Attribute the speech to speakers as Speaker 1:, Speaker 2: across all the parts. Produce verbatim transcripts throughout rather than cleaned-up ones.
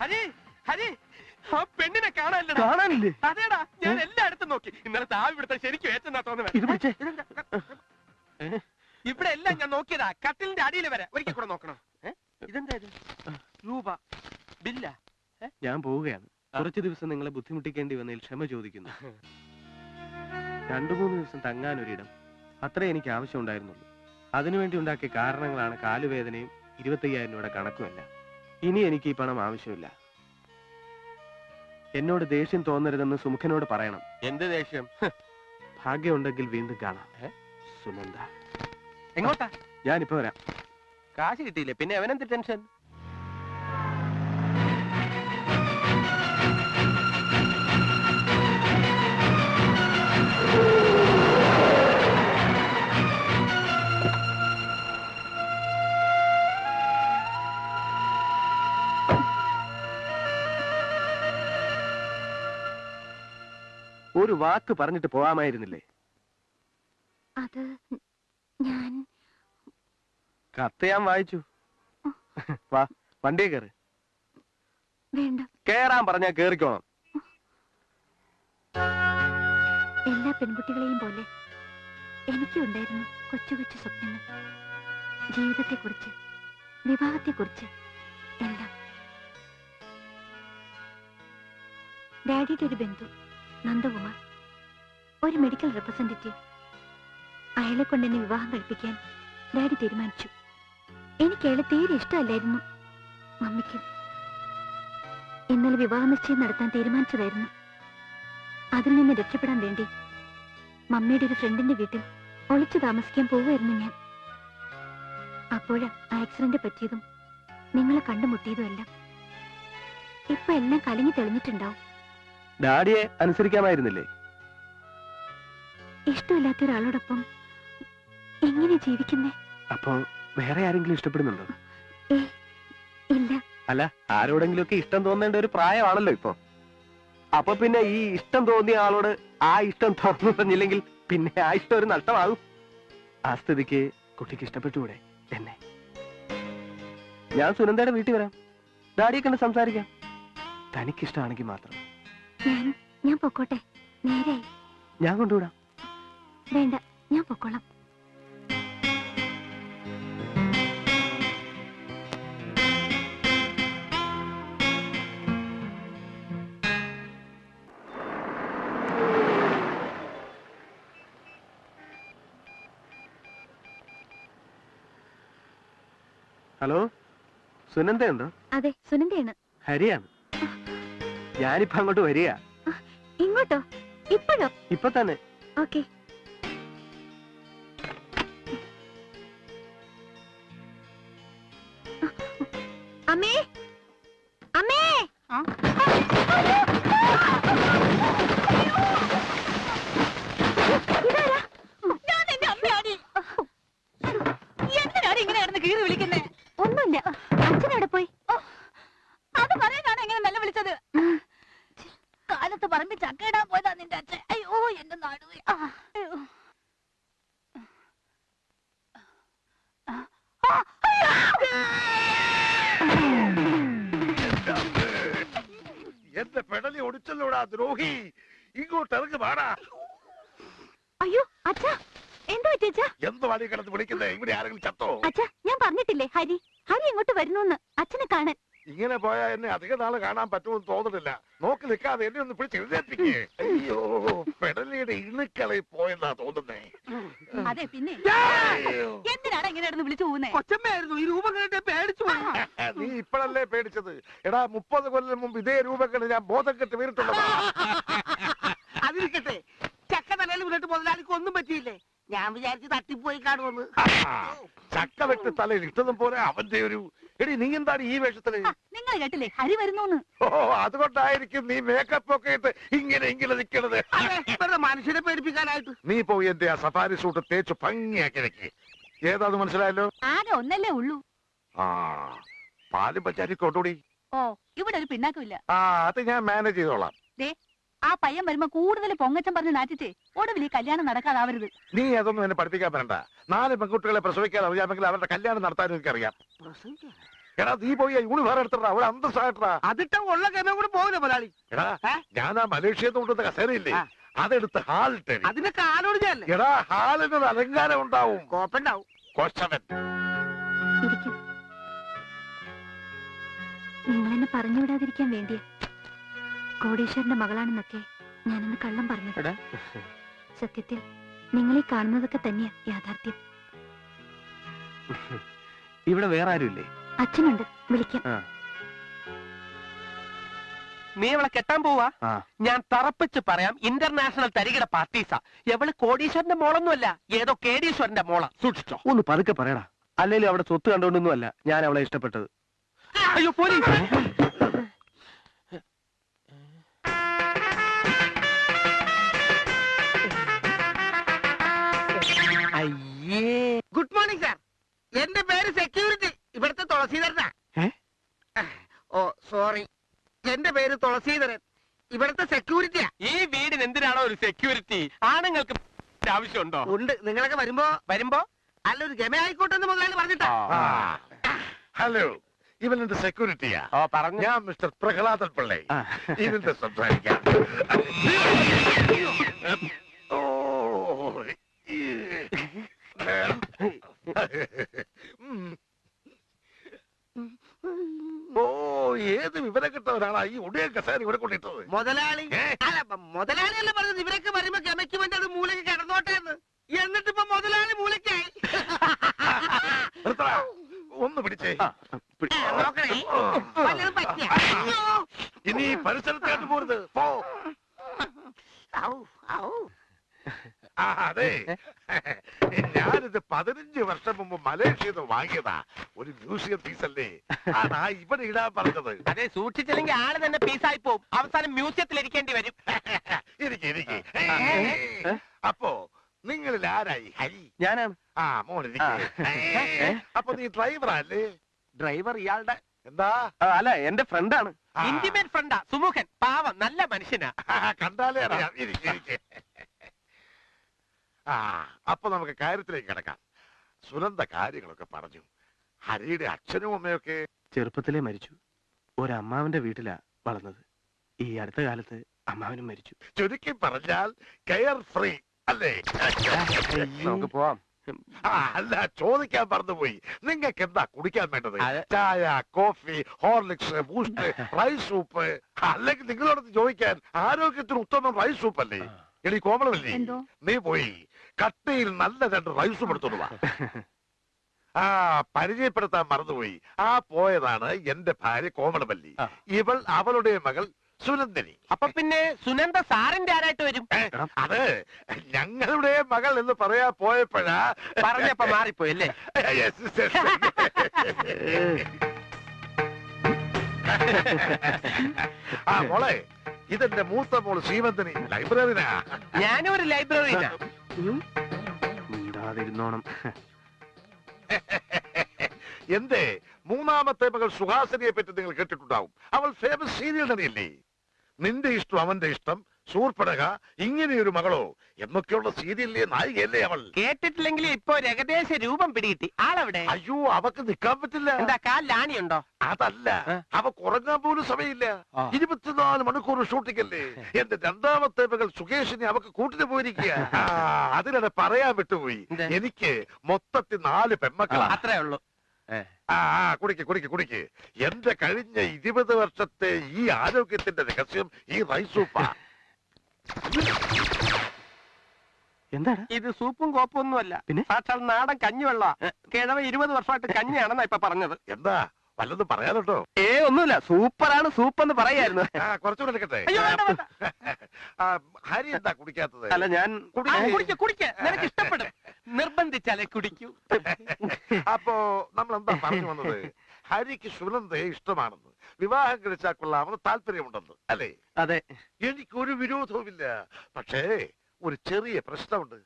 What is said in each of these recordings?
Speaker 1: ഹരി ഹരി ആ പെണ്ണിനെ കാണാനില്ല.
Speaker 2: കാണാനില്ലേ?
Speaker 1: അതേടാ, ഞാൻ എല്ലായിടത്തും നോക്കി. ഇന്നലെ താവ് ഇവിടുത്തെ ശരിക്കും ഏറ്റെന്നാ തോന്നുന്നത്. ഇവിടെ എല്ലാം ഞാൻ നോക്കിയതാ, കട്ടിലിന്റെ അടിയിൽ വരെ. ഒരിക്കൽ കൂടെ നോക്കണം. ഇതെന്താ ഇത്? രൂപ ബില്ല.
Speaker 2: ഞാൻ പോവുകയാണ്. കുറച്ചു ദിവസം നിങ്ങളെ ബുദ്ധിമുട്ടിക്കേണ്ടി വന്നതിൽ ക്ഷമ ചോദിക്കുന്നു. രണ്ടു മൂന്ന് ദിവസം തങ്ങാനൊരിടം, അത്രേ എനിക്ക് ആവശ്യമുണ്ടായിരുന്നുള്ളൂ. അതിനുവേണ്ടി ഉണ്ടാക്കിയ കാരണങ്ങളാണ് കാലുവേദനയും ഇരുപത്തയ്യായിരം രൂപയുടെ കണക്കുമല്ല. ഇനി എനിക്ക് ഈ പണം ആവശ്യമില്ല. എന്നോട് ദേഷ്യം തോന്നരുതെന്ന് സുമുഖനോട് പറയണം.
Speaker 1: എന്ത് ദേഷ്യം?
Speaker 2: ഭാഗ്യമുണ്ടെങ്കിൽ വീണ്ടും കാണാം. സുനന്ദ.
Speaker 1: എങ്ങോട്ടാ?
Speaker 2: ഞാനിപ്പോ വരാം.
Speaker 1: കാശ് കിട്ടിയില്ലേ, പിന്നെ അവനെന്ത് ടെൻഷൻ?
Speaker 2: ഒരു വാക്ക് പറഞ്ഞിട്ട് പോവാമായിരുന്നില്ലേ?
Speaker 3: അത് ഞാൻ
Speaker 2: കത്ത് ഞാൻ വായിച്ചു. വാ, വണ്ടിയെ കയറി.
Speaker 3: വേണ്ട.
Speaker 2: കേറാൻ പറഞ്ഞാ കേറിക്കോണം.
Speaker 3: എല്ലാ പെൺകുട്ടികളെയും പോലെ എനിക്കും ഉണ്ടായിരുന്നു കൊച്ചു കൊച്ചു സ്വപ്നങ്ങൾ. ജീവിതത്തെക്കുറിച്ച്, വിവാഹത്തെക്കുറിച്ച് എല്ലാം. ഡാഡിയുടെ ഒരു ബന്ധു നന്ദകുമാർ, ഒരു മെഡിക്കൽ റെപ്രസെന്റേറ്റീവ്. അയാളെ കൊണ്ട് എന്നെ വിവാഹം കഴിപ്പിക്കാൻ ഡാഡി തീരുമാനിച്ചു. എനിക്ക് അയാളെ തീരെ ഇഷ്ടമല്ലായിരുന്നു. മമ്മിക്ക് ഇന്നലെ വിവാഹ നിശ്ചയം നടത്താൻ തീരുമാനിച്ചതായിരുന്നു. അതിൽ നിന്ന് രക്ഷപ്പെടാൻ വേണ്ടി മമ്മിയുടെ ഒരു ഫ്രണ്ടിന്റെ വീട്ടിൽ ഒളിച്ചു താമസിക്കാൻ പോവുമായിരുന്നു ഞാൻ. അപ്പോഴാ ആക്സിഡന്റ് പറ്റിയതും നിങ്ങളെ കണ്ടുമുട്ടിയതും എല്ലാം. ഇപ്പൊ എല്ലാം കലങ്ങി തെളിഞ്ഞിട്ടുണ്ടാവും.
Speaker 2: ഡാഡിയെ അനുസരിക്കാമായിരുന്നില്ലേ?
Speaker 3: ഇഷ്ടമില്ലാത്ത ഒരാളോടൊപ്പം എങ്ങനെ ജീവിക്കുന്നേ?
Speaker 2: അപ്പൊ വേറെ ആരെങ്കിലും ഇഷ്ടപ്പെടുന്നുണ്ടോ?
Speaker 3: ഏ ഇല്ല.
Speaker 2: അല്ല, ആരോടെങ്കിലും ഒക്കെ ഇഷ്ടം തോന്നേണ്ട ഒരു പ്രായമാണല്ലോ ഇപ്പൊ. അപ്പൊ പിന്നെ ഈ ഇഷ്ടം തോന്നിയ ആളോട് ആ ഇഷ്ടം തുറന്നു പറഞ്ഞില്ലെങ്കിൽ പിന്നെ ആ ഇഷ്ടം ഒരു നഷ്ടമാകും. ആ സ്ഥിതിക്ക് കുട്ടിക്ക് ഇഷ്ടപ്പെട്ടുകൂടെ എന്നെ? ഞാൻ സുനന്ദയുടെ വീട്ടിൽ വരാം. ഡാഡിയെ കണ്ട് സംസാരിക്കാം. തനിക്കിഷ്ടമാണെങ്കിൽ മാത്രം.
Speaker 3: ഞാൻ ഞാൻ പൊക്കോട്ടെ? നേരായി.
Speaker 2: ഞാൻ കൊണ്ടുവിടാം.
Speaker 3: വേണ്ട, ഞാൻ പൊക്കോളാം.
Speaker 2: ഹലോ, സുനന്ദയുണ്ടോ?
Speaker 3: അതെ, സുനന്ദയാണ്.
Speaker 2: ഹരിയാണ്. ഞാനിപ്പോ അങ്ങോട്ട് വരിക.
Speaker 3: ഇങ്ങോട്ടോ? ഇപ്പോഴോ?
Speaker 2: ഇപ്പൊ തന്നെ.
Speaker 3: ഓക്കെ. അമ്മേ, അമ്മേ! ഇതാരാ? ഞാൻ എന്റെ അമ്മയാണ്. എന്തിനാണ് ഇങ്ങനെ കിടന്ന് കീറി വിളിക്കുന്നേ? ഒന്നുമില്ല. അച്ഛനെവിടെ പോയി? അത് പറയാനാണ് എങ്ങനെ നല്ല വിളിച്ചത്. കാലത്ത് പറമ്പി ചക്കയിടാൻ പോയതാ നിന്റെ അച്ഛൻ. അയ്യോ, എന്റെ നടുവേ.
Speaker 4: എന്റെ പെടലി ഒടിച്ചല്ലോടാ ദ്രോഹി. ഇങ്ങോട്ട് ഇറങ്ങി പാടാ.
Speaker 3: അയ്യോ അച്ഛാ, എന്തോ അച്ഛാ?
Speaker 4: എന്ത് വഴി കിടന്ന് വിളിക്കുന്നേ? ഇവിടെ ആരെങ്കിലും ചത്തോ?
Speaker 3: അച്ഛാ, ഞാൻ പറഞ്ഞിട്ടില്ലേ ഹരി ഹരി ഇങ്ങോട്ട് വരുന്നു അച്ഛനെ കാണാൻ.
Speaker 4: ഇങ്ങനെ പോയാ എന്നെ അധിക നാള് കാണാൻ പറ്റുമെന്ന് തോന്നുന്നില്ല. നോക്കി നിൽക്കാതെ എന്നെ ഒന്ന് പിടിച്ച് എഴുന്നേൽപ്പിക്കേ. അയ്യോ, പെടലിയുടെ ഇണുക്കളെ പോയെന്നാ തോന്നുന്നേ.
Speaker 3: അതെ, പിന്നെ എന്തിനാണ് ഇങ്ങനെ വിളിച്ചു പോകുന്നേ?
Speaker 1: കൊച്ചമ്മയായിരുന്നു ഈ രൂപം കണ്ടിട്ട് പേടിച്ചു പോയി.
Speaker 4: നീ ഇപ്പോഴല്ലേ പേടിച്ചത്? എടാ, മുപ്പത് കൊല്ലം മുമ്പ് ഇതേ രൂപക്കെട്ട് ഞാൻ ബോധം കെട്ട് വീണിട്ടുള്ളതാ.
Speaker 1: അതിരിക്കട്ടെ, ചക്ക തലയിൽ വീണിട്ട് മുതലാളിക്ക് ഒന്നും പറ്റിയില്ലേ? ഞാൻ വിചാരിച്ച് തട്ടിപ്പോയി കാണുമെന്ന്.
Speaker 4: ചക്ക വെട്ട് തലയിൽ ഇട്ടതും പോലെ അവന്റെ ഒരു. എടി, നീ എന്താണ് ഈ വേഷത്തില്?
Speaker 3: നിങ്ങൾ കേട്ടില്ലേ ഹരി വരുന്നു?
Speaker 4: ഓ, അതുകൊണ്ടായിരിക്കും നീ മേക്കപ്പ് ഒക്കെ ഇട്ട് ഇങ്ങനെ ഇങ്ങനെ നിൽക്കണത്.
Speaker 1: മനുഷ്യനെ പേടിപ്പിക്കാനായിട്ട്.
Speaker 4: നീ പോയി എന്റെ ആ സഫാരി സൂട്ട് തേച്ച് ഭംഗിയാക്കി വെക്ക്. ഏതാന്ന് മനസ്സിലായല്ലോ?
Speaker 3: ആകെ ഒന്നല്ലേ ഉള്ളൂ.
Speaker 4: ആ, പാലും പച്ചാരി കൊണ്ടുകൂടി.
Speaker 3: ഓ, ഇവിടെ ഒരു പിന്നാക്കമില്ല.
Speaker 4: ആ, അത് ഞാൻ മാനേജ് ചെയ്തോളാം.
Speaker 3: ആ പയ്യൻ വരുമ്പോ കൂടുതൽ പൊങ്ങച്ചം പറഞ്ഞ് നാറ്റിച്ചേ ഒടുവിൽ ഈ കല്യാണം നടക്കാതാവരുത്.
Speaker 4: നീ അതൊന്നും എന്നെ പഠിപ്പിക്കാൻ വരണ്ട. നാല് പെൺകുട്ടികളെ പ്രസവിക്കാൻ അറിയാമെങ്കിൽ അവരുടെ കല്യാണം നടത്താനും എനിക്കറിയാം. എടാ നീ പോയി യൂണിഫോം എടുത്തടാ ഒരു അന്തസ്സായിട്ടാ.
Speaker 1: അതിട്ട ഉള്ള ഗമ കൂടെ പോകില്ല മുതലാളി.
Speaker 4: എടാ ഞാൻ ആ മലേഷ്യന്ന് കൊണ്ടുവന്ന കസേരയില്ലേ അതെടുത്ത് ഹാളിട്ടെ.
Speaker 1: അതിനൊക്കെ ആലോട് ചെയ്യല്ലേ?
Speaker 4: എടാ ഹാളിനൊരു അലങ്കാരം ഉണ്ടാവും.
Speaker 1: കോപ്പുണ്ടാവും.
Speaker 4: കൊച്ചവൻ
Speaker 3: ഇരിക്കും. നിങ്ങളെന്നെ പറഞ്ഞു വിടാതിരിക്കാൻ വേണ്ടിയ കോടീശ്വരന്റെ മകളാണെന്നൊക്കെ ഞാനന്ന് കള്ളം പറഞ്ഞത്. സത്യത്തിൽ നിങ്ങളീ കാണുന്നതൊക്കെ തന്നെയാ യാഥാർത്ഥ്യം.
Speaker 2: ഇവിടെ വേറെ ആരുമില്ലേ?
Speaker 3: അച്ഛനുണ്ട്, വിളിക്കാം.
Speaker 2: നീ അവളെ കെട്ടാൻ പോവാ? ഞാൻ തറപ്പിച്ച് പറയാം, ഇന്റർനാഷണൽ തരികിട പാർട്ടീസാ. എവള് കോടീശ്വരന്റെ മോളൊന്നുമല്ല, ഏതോ കേടീശ്വരന്റെ മോളാ. സൂക്ഷിച്ചോ. ഒന്ന് പതുക്കെ പറയടാ. അല്ലേലും അവിടെ സ്വത്ത് കണ്ടോണ്ടൊന്നുമല്ല ഞാൻ അവളെ ഇഷ്ടപ്പെട്ടത്. അയ്യോ പോലീസ്!
Speaker 1: അയ്യേ. Good morning sir. എന്റെ പേര് സെക്യൂരിറ്റി. ഇവിടുത്തെ തുളസീധരനാ. ഓ സോറി, എന്റെ പേര് തുളസീധരൻ. ഇവിടുത്തെ സെക്യൂരിറ്റിയാ.
Speaker 2: ഈ വീടിന് എന്തിനാണോ ഒരു സെക്യൂരിറ്റി? ആണുങ്ങൾക്ക് ആവശ്യമുണ്ടോ?
Speaker 1: ഉണ്ട്. നിങ്ങളൊക്കെ വരുമ്പോ
Speaker 2: വരുമ്പോ
Speaker 1: അല്ലൊരു ഗമ ആയിക്കോട്ടെ എന്ന് മുതലാളി പറഞ്ഞിട്ടാ.
Speaker 4: ഹലോ, ഇവൻ എന്റെ സെക്യൂരിറ്റിയാ.
Speaker 2: ഓ പറഞ്ഞു.
Speaker 4: ഞാൻ മിസ്റ്റർ പ്രഹ്ലാദൻ പിള്ളേ. ഇതിന്റെ സംസാരിക്കാം. ഓ ഓ ഏത് വിവരം കിട്ടവരാണ് ഈ ഒടിയ കസേര ഇവിടെ കൊണ്ടിട്ടത്?
Speaker 1: മുതലാളി അല്ല, മുതലാളി അല്ല പറഞ്ഞത് ഇവരൊക്കെ വരുമ്പോ ഗമയ്ക്ക് വേണ്ടി അത് മൂലയ്ക്ക് കിടന്നോട്ടെ എന്ന്. എന്നിട്ടിപ്പോ മുതലാളി മൂലയ്ക്കായി.
Speaker 4: ഒന്ന് പിടിച്ചേ.
Speaker 1: നോക്കണേ, വല്ലതും പറ്റിയ?
Speaker 4: ഇനി പരിസരത്തേക്ക് പോരുത്. പോ. ആ അതെ, ഞാനിത് പതിനഞ്ച് വർഷം മുമ്പ് മലേഷ്യയിൽ നിന്ന് വാങ്ങിയതാ. ഒരു മ്യൂസിയം പീസല്ലേ, ആണാ ഇവിടെ ഇടാൻ പറഞ്ഞത്.
Speaker 2: അതെ, സൂക്ഷിച്ചില്ലെങ്കിൽ ആള് തന്നെ പീസായി പോവും. അവസാനം മ്യൂസിയത്തിൽ ഇരിക്കേണ്ടി വരും.
Speaker 4: ഇരിക്കെ ഇരിക്കെ. അപ്പോ നിങ്ങളിൽ ആരായി ഹരി?
Speaker 2: ഞാനാണ്.
Speaker 4: ആ മോനിരിക്കെ. അപ്പൊ നീ ഡ്രൈവറല്ലേ?
Speaker 2: ഡ്രൈവർ ഇയാളുടെ
Speaker 4: എന്താ?
Speaker 2: അല്ല, എന്റെ ഫ്രണ്ടാണ്. ഇന്റിമേറ്റ് ഫ്രണ്ടാ. സുമുഖൻ, പാവം, നല്ല മനുഷ്യനാ.
Speaker 4: കണ്ടാലേ അറിയാം. ഇരിക്കെ ഇരിക്കെ. ആ അപ്പൊ നമുക്ക് കാര്യത്തിലേക്ക് കിടക്കാം. സുനന്ദ കാര്യങ്ങളൊക്കെ പറഞ്ഞു. ഹരിയുടെ അച്ഛനും അമ്മയൊക്കെ
Speaker 2: ചെറുപ്പത്തിലേ മരിച്ചു. ഒരമ്മാവന്റെ വീട്ടിലാ വളർന്നത്. ഈ അടുത്ത കാലത്ത് അമ്മാവനും മരിച്ചു.
Speaker 4: ചുരുക്കി പറഞ്ഞാൽ കെയർ ഫ്രീ അല്ലേ?
Speaker 2: നമുക്ക് പോവാം.
Speaker 4: ആ അല്ല, ചോദിക്കാൻ മറന്നുപോയി. നിങ്ങൾക്ക് എന്താ കുടിക്കാൻ വേണ്ടത്?
Speaker 2: അത്
Speaker 4: ചായ, coffee, Horlicks, Boost, rice soup? അല്ലെങ്കിൽ നിങ്ങളോട് ചോദിക്കാൻ ആരോഗ്യത്തിന് ഉത്തമം റൈസ് സൂപ്പ് അല്ലേ? എടി കോമളമല്ലേ, നീ പോയി കട്ടയിൽ നല്ല രണ്ട് റൈസ് സൂപ്പ് എടുത്തോണ്ട് വാ. ആ പരിചയപ്പെടുത്താൻ മറന്നുപോയി. ആ പോയതാണ് എന്റെ ഭാര്യ കോമളമല്ലി. ഇവൾ അവളുടെ മകൾ സുനന്ദിനി.
Speaker 2: അപ്പൊ പിന്നെ സുനന്ദ സാറിന്റെ ആരായിട്ട് വരും?
Speaker 4: അത് ഞങ്ങളുടെ മകൾ എന്ന് പറയാ പോയപ്പോഴാ
Speaker 2: പറഞ്ഞപ്പോ മാറിപ്പോയി അല്ലേ?
Speaker 4: ആ മോളെ, ഇതെന്റെ മൂത്ത മോള് ശ്രീമന്തിനി, ലൈബ്രറിനാ.
Speaker 2: ഞാനും ഒരു ലൈബ്രറിനാ. ഉണ്ടാതിരുന്നോണം.
Speaker 4: എന്തേ, മൂന്നാമത്തെ മകൾ സുഹാസിനിയെ പറ്റി നിങ്ങൾ കേട്ടിട്ടുണ്ടാവും. അവൾ ഫേമസ് സീരിയൽ നടിയല്ലേ? നിന്റെ ഇഷ്ടം അവന്റെ ഇഷ്ടം, സൂർപ്പടക, ഇങ്ങനെയൊരു മകളോ എന്നൊക്കെയുള്ള സീരിയലിലെ നായികയല്ലേ അവൾ?
Speaker 2: കേട്ടിട്ടില്ലെങ്കിൽ ഇപ്പൊ ഏകദേശ രൂപം പിടികിട്ടി. ആളെവിടെ?
Speaker 4: അയ്യോ, അവക്ക് നിൽക്കാൻ പറ്റില്ല.
Speaker 2: എന്താ, കാലിലാണിയുണ്ടോ?
Speaker 4: അതല്ല, അവക്ക് ഉറങ്ങാൻ പോലും സമയമില്ല. ഇരുപത്തിനാല് മണിക്കൂർ ഷൂട്ടിംഗ് അല്ലേ. എന്റെ രണ്ടാമത്തെ മകൾ സുകേഷിനെ അവക്ക് കൂട്ടിന് പോയിരിക്കുക. അതിനിടെ പറയാൻ വിട്ടുപോയി, എനിക്ക് മൊത്തത്തിൽ നാല് പെമ്മക്കളാ.
Speaker 2: അത്രേ ഉള്ളൂ.
Speaker 4: ആ കുടിക്ക് കുടിക്ക് കുടിക്ക്. എന്റെ കഴിഞ്ഞ ഇരുപത് വർഷത്തെ ഈ ആരോഗ്യത്തിന്റെ രഹസ്യം ഈ റൈസ് സൂപ്പാ.
Speaker 2: എന്താണ് ഇത്? സൂപ്പും കോപ്പും ഒന്നുമല്ല, പിന്നെ സാക്ഷാൽ നാടൻ കഞ്ഞിവെള്ള. കിഴവ ഇരുപത് വർഷമായിട്ട് കഞ്ഞിയാണെന്നാ ഇപ്പൊ പറഞ്ഞത്.
Speaker 4: എന്താ വല്ലതും പറയാനോ?
Speaker 2: ഏ ഒന്നുമില്ല, സൂപ്പറാണ് സൂപ്പ് എന്ന് പറയായിരുന്നു.
Speaker 4: ആ കുറച്ചുകൂടെ എടുക്കട്ടെ. ഹരി എന്താ കുടിക്കാത്തത്?
Speaker 2: അല്ല, ഞാൻ കുടിക്ക കുടിക്ക നിനക്ക് ഇഷ്ടപ്പെടും. നിർബന്ധിച്ചാലേ കുടിക്കൂ.
Speaker 4: അപ്പോ നമ്മൾ എന്താ പറഞ്ഞു വന്നത്? ഹരിക്ക് സുനന്ദയെ ഇഷ്ടമാണെന്ന്, വിവാഹം കഴിച്ചാൽ കൊള്ളാമെന്ന് താല്പര്യമുണ്ടെന്ന് അല്ലേ?
Speaker 2: അതെ,
Speaker 4: എനിക്കൊരു വിരോധവുമില്ല. പക്ഷേ ഒരു ചെറിയ പ്രശ്നമുണ്ട്.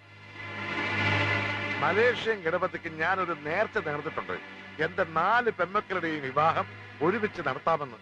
Speaker 4: മലേഷ്യൻ ഗണപതിക്ക് ഞാനൊരു നേർച്ച നേർന്നിട്ടുണ്ട്. എന്റെ നാല് പെമ്മക്കളുടെയും വിവാഹം ഒരുമിച്ച് നടത്താമെന്ന്.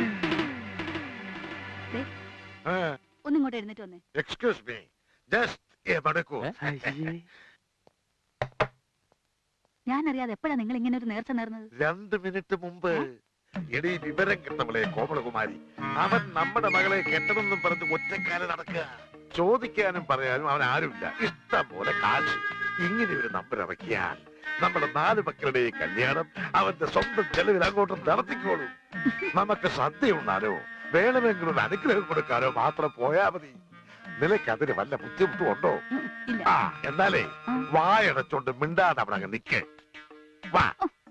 Speaker 3: ഒന്നിങ്ങോട്ട് എഴുന്നേറ്റ് വന്നേ.
Speaker 4: എക്സ്ക്യൂസ് മീ, ജസ്റ്റ് എ മണിക്കൂർ.
Speaker 3: ഞാൻ അറിയാതെ എപ്പോഴാ നിങ്ങൾ ഇങ്ങനെ ഒരു നേർച്ച നേർന്നത്?
Speaker 4: രണ്ട് മിനിറ്റ് മുമ്പ്. എടീ വിവരം കിട്ടവളെ കോമളകുമാരി, അവൻ നമ്മുടെ മകളെ കെട്ടണമെന്നും പറഞ്ഞ് ഒറ്റക്കാലം നടക്കുക. ചോദിക്കാനും പറയാനും അവൻ ആരുമില്ല. ഇഷ്ടം പോലെ കാശ്. ഇങ്ങനെ ഒരു നമ്പർ ഇറക്കിയാൽ നമ്മുടെ നാല് മക്കളുടെ കല്യാണം അവന്റെ സ്വന്തം ചെലവിൽ അങ്ങോട്ട് നടത്തിക്കോളും. നമുക്ക് സദ്യ ഉണ്ണാനോ വേണമെങ്കിൽ ഒരു അനുഗ്രഹം കൊടുക്കാനോ മാത്രം പോയാ മതി. നിനക്ക് അതിന് വല്ല ബുദ്ധിമുട്ടും ഉണ്ടോ? ആ എന്നാലേ വായടച്ചോണ്ട് മിണ്ടാതെ അവിടെ അങ്ങ് നിക്ക്. വാ.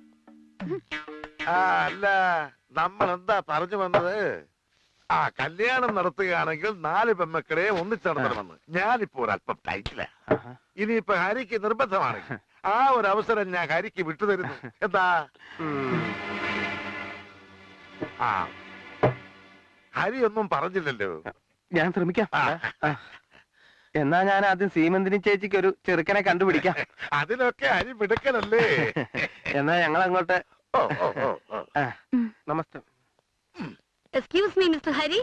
Speaker 4: ആ അല്ല, നമ്മൾ എന്താ പറഞ്ഞു വന്നത്? ആ കല്യാണം നടത്തുകയാണെങ്കിൽ നാല് പെമ്മക്കളെ ഒന്നിച്ച് നടത്തണമെന്ന്. ഞാനിപ്പോ ഒരല്പം ടൈറ്റില്ല. ഇനിയിപ്പോ ഹരിക്ക് നിർബന്ധമാണെങ്കിൽ ആ ഒരു അവസരം ഞാൻ ഹരിക്ക് വിട്ടുതരുന്നു. എന്താ? ആ ഹരി ഒന്നും പറഞ്ഞില്ലല്ലോ.
Speaker 2: ഞാൻ ശ്രമിക്കാം. എന്നാ ഞാൻ ആദ്യം സീമന്തിനി ചേച്ചിക്ക് ഒരു ചെറുക്കനെ കണ്ടുപിടിക്കാം.
Speaker 4: അതിനൊക്കെ ഹരി മിടുക്കനല്ലേ?
Speaker 2: എന്നാ ഞങ്ങൾ അങ്ങോട്ട്.
Speaker 4: ഓ ഓ ഓ ഓ.
Speaker 2: നമസ്തേ.
Speaker 3: Excuse me mister Hari.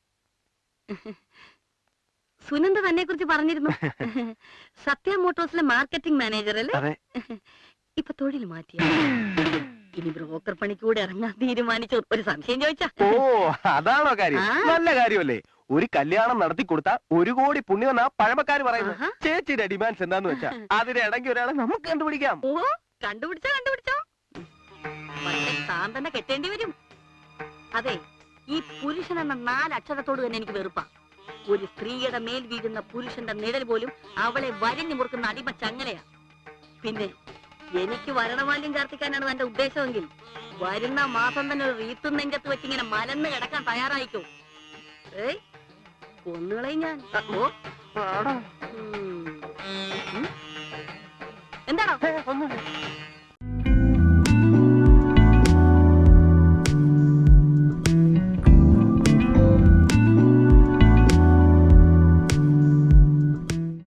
Speaker 3: Sunanda തന്നെ കുറിച്ച് പറഞ്ഞിരുന്നു. സത്യ മോട്ടോഴ്സിലെ മാർക്കറ്റിംഗ് മാനേജർ അല്ലേ? ഇപ്പൊ തൊഴിൽ മാറ്റിയ ഇനി ബ്രോക്കർ പണിക്കൂടെ ഇറങ്ങാൻ തീരുമാനിച്ചു. ഒരു സംശയം ചോദിച്ചാ?
Speaker 2: ഓ അതാണോ കാര്യം? നല്ല കാര്യമല്ലേ. ഒരു കല്യാണം നടത്തി കൊടുത്താ ഒരു കോടി പുണ്യമെന്നാ പഴമക്കാര് പറയുന്നത്. ചേച്ചിയുടെ ഡിമാൻഡ്സ് എന്താന്ന് വെച്ചാ അതിനിടയ്ക്ക് ഒരാളെ നമുക്ക് കണ്ടുപിടിക്കാം.
Speaker 3: ഓ കണ്ടുപിടിച്ചോ കണ്ടുപിടിച്ചോ. പക്ഷെ താൻ തന്നെ കെട്ടേണ്ടി വരും. അതെ, ഈ പുരുഷൻ എന്ന നാലക്ഷരത്തോട് തന്നെ എനിക്ക് വെറുപ്പാ. ഒരു സ്ത്രീയുടെ മേൽ വീഴുന്ന പുരുഷന്റെ നിഴൽ പോലും അവളെ വരിഞ്ഞു മുറുക്കുന്ന അടിമ ചങ്ങലയാ. പിന്നെ എനിക്ക് വരണമാല്യം ചാർത്തിക്കാനാണ് എന്റെ ഉദ്ദേശമെങ്കിൽ വരുന്ന മാസം തന്നെ ഒരു റീത്തും നെഞ്ചത്ത് വെച്ചിങ്ങനെ മലന്ന് കിടക്കാൻ തയ്യാറായിക്കോ. ഏയ് കൊന്നുകളയും ഞാൻ. ഓ എന്താണോ?